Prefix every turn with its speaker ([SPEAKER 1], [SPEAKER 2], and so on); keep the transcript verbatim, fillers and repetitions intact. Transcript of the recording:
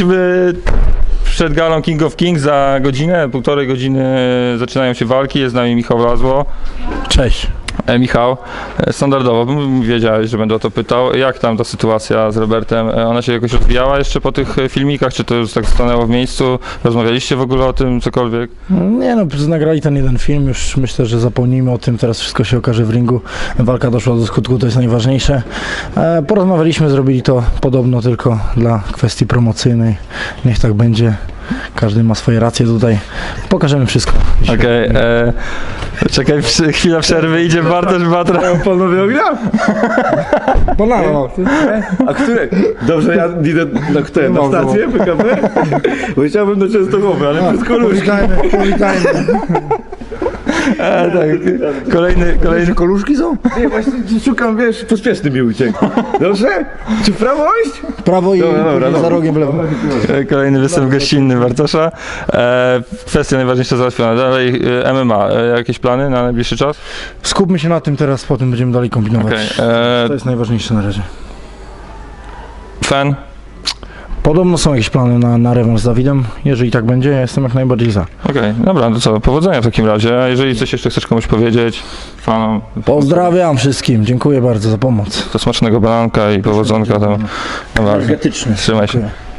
[SPEAKER 1] jesteśmy przed galą King of Kings. Za godzinę, półtorej godziny zaczynają się walki. Jest z nami Michał Lazło.
[SPEAKER 2] Cześć.
[SPEAKER 1] E, Michał, e, standardowo, bym wiedziałeś, że będę o to pytał. Jak tam ta sytuacja z Robertem? E, ona się jakoś rozwijała jeszcze po tych e, filmikach? Czy to już tak stanęło w miejscu? Rozmawialiście w ogóle o tym, cokolwiek?
[SPEAKER 2] Nie no, nagrali ten jeden film, już myślę, że zapomnijmy o tym, teraz wszystko się okaże w ringu. Walka doszła do skutku, to jest najważniejsze. E, porozmawialiśmy, zrobili to podobno tylko dla kwestii promocyjnej. Niech tak będzie. Każdy ma swoje racje tutaj. Pokażemy wszystko.
[SPEAKER 1] Okej, okay, czekaj, przy, chwila przerwy, idzie Bartosz Batra.
[SPEAKER 3] Panowie ognia?
[SPEAKER 2] Banano.
[SPEAKER 3] A które? Dobrze, ja idę na, które, na stację P K P? Bo chciałbym do Częstochowy, ale przez Koluszki.
[SPEAKER 2] Powitajmy, powitajmy.
[SPEAKER 1] E, tak, kolejny, kolejny...
[SPEAKER 2] Koluszki są?
[SPEAKER 3] Nie, właśnie szukam, wiesz, pospieszny mi uciekł. Dobrze? Czy w prawo iść?
[SPEAKER 2] Prawo i
[SPEAKER 3] Dobra, dobra,
[SPEAKER 2] za
[SPEAKER 3] dobra.
[SPEAKER 2] rogiem w lewo.
[SPEAKER 1] E, Kolejny występ gościnny Bartosza. E, kwestia najważniejsza załatwiona. Dalej e, M M A. E, jakieś plany na najbliższy czas?
[SPEAKER 2] Skupmy się na tym teraz, potem będziemy dalej kombinować.
[SPEAKER 1] Okay. E,
[SPEAKER 2] To jest najważniejsze na razie.
[SPEAKER 1] fan?
[SPEAKER 2] Podobno są jakieś plany na, na rewanż z Dawidem. Jeżeli tak będzie, ja jestem jak najbardziej za.
[SPEAKER 1] Okej, okay, dobra, to co, powodzenia w takim razie. A jeżeli coś jeszcze chcesz komuś powiedzieć, fanom,
[SPEAKER 2] Pozdrawiam wszystkim, dziękuję bardzo za pomoc.
[SPEAKER 1] to smacznego bananka i powodzonka. To, no,
[SPEAKER 2] Energetyczny.
[SPEAKER 1] trzymaj się.
[SPEAKER 2] Dziękuję.